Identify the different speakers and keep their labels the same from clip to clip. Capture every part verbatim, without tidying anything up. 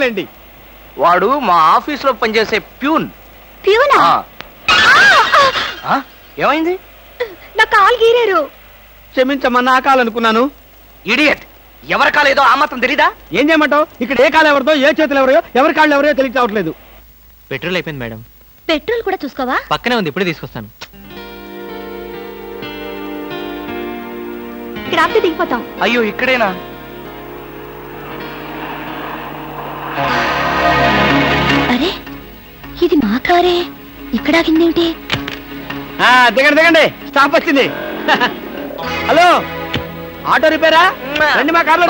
Speaker 1: చెప్తానులేండి.
Speaker 2: వాడు మా ఆఫీస్ లో పనిచేసే ప్యూన్.
Speaker 3: ప్యూనా?
Speaker 2: ఏమైంది?
Speaker 3: నా కాలు గీరారు.
Speaker 1: క్షమించమ్మా, నా కాలనుకున్నాను.
Speaker 2: ఇడియట్, ఎవరి కాలేదో ఆ మాత్రం తెలీదా?
Speaker 1: ఏం చేయమంటావు? ఇక్కడ ఏ కాలు ఎవరిదో, ఏ చేతులు ఎవరో, ఎవరి కాళ్ళు ఎవరో తెలిసి రావట్లేదు.
Speaker 4: పెట్రోల్ అయిపోయింది మేడం.
Speaker 3: పెట్రోల్ కూడా చూసుకోవా?
Speaker 4: పక్కనే ఉంది, ఇప్పుడే తీసుకొస్తాను.
Speaker 3: ఇక్కడ ఆపితే దిగిపోతాం.
Speaker 2: అయ్యో, ఇక్కడేనా?
Speaker 3: అరే, ఇది మా కారే. ఇక్కడ ఆగిందేమిటి?
Speaker 1: దిగండి దిగండి, స్టాప్ వచ్చింది. హలో, ఆటో రిపేరా? రండి మా కార్లో.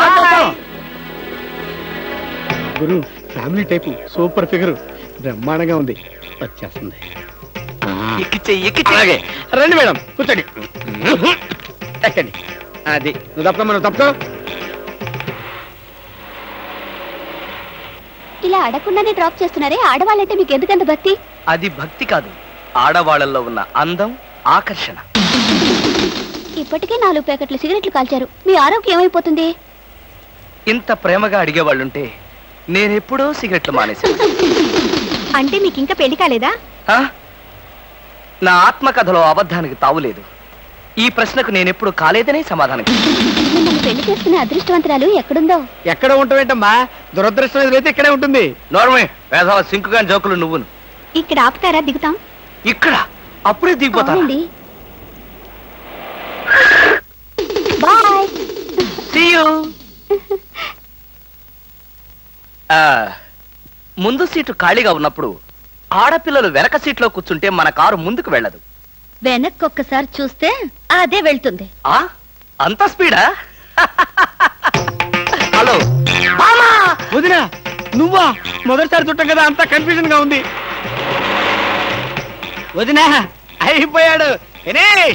Speaker 1: గురు, ఫ్యామిలీ టైపు, సూపర్ ఫిగర్, బ్రహ్మాండంగా ఉంది. వచ్చేస్తుంది. అలాగే రండి మేడం, కూర్చోండి. ఎక్కండి. అది నువ్వు తప్ప మనం తప్పుకో.
Speaker 3: ఇలా అడగకుండానే డ్రాప్ చేస్తున్నారే, ఆడవాళ్ళంటే మీకు ఎందుకంత భక్తి?
Speaker 2: అది భక్తి కాదు, ఆడవాళ్ళల్లో ఉన్న అందం, ఆకర్షణ.
Speaker 3: ఇప్పటికే నాలుగు ప్యాకెట్లు సిగరెట్లు కాల్చారు, మీ ఆరోగ్యం ఏమైపోతుంది?
Speaker 2: ఇంత ప్రేమగా అడిగేవాళ్ళుంటే నేనెప్పుడో సిగరెట్లు మానేశాను.
Speaker 3: అంటే మీకు ఇంకా పెళ్లి కాలేదా?
Speaker 2: ఆ? నా ఆత్మకథలో అబద్ధానికి తావులేదు. ఈ ప్రశ్నకు నేనెప్పుడు కాలేదనే సమాధానం.
Speaker 3: మిమ్మల్ని పెళ్లి చేసుకునే అదృష్టవంతరాలు ఎక్కడుందో.
Speaker 1: ఎక్కడ ఉంటావేంటమ్మా? దురదృష్టం ఎదురైతే ఇక్కడే ఉంటుంది.
Speaker 2: నోర్మే, వేసవ సింకుగా జోకులు నువ్వును.
Speaker 3: ఇక్కడ ఆపుతారా? దిగుతాం.
Speaker 2: ఇక్కడ అప్పుడే దిగిపోతాను.
Speaker 3: అవునండి. బాయ్.
Speaker 2: See you. ఆ, ముందు సీటు ఖాళీగా ఉన్నప్పుడు ఆడపిల్లలు వెనక సీట్లో కూర్చుంటే మన కారు ముందుకు వెళ్ళదు.
Speaker 3: వెనక్కి ఒక్కసారి చూస్తే అదే వెళ్తుంది.
Speaker 2: ఆ అంత స్పీడా? హలో
Speaker 1: వదినా, నువ్వా? మొదటిసారి చుట్టం కదా, అంతా కన్ఫ్యూజన్ గా ఉంది. వదినా, అయిపోయాడు.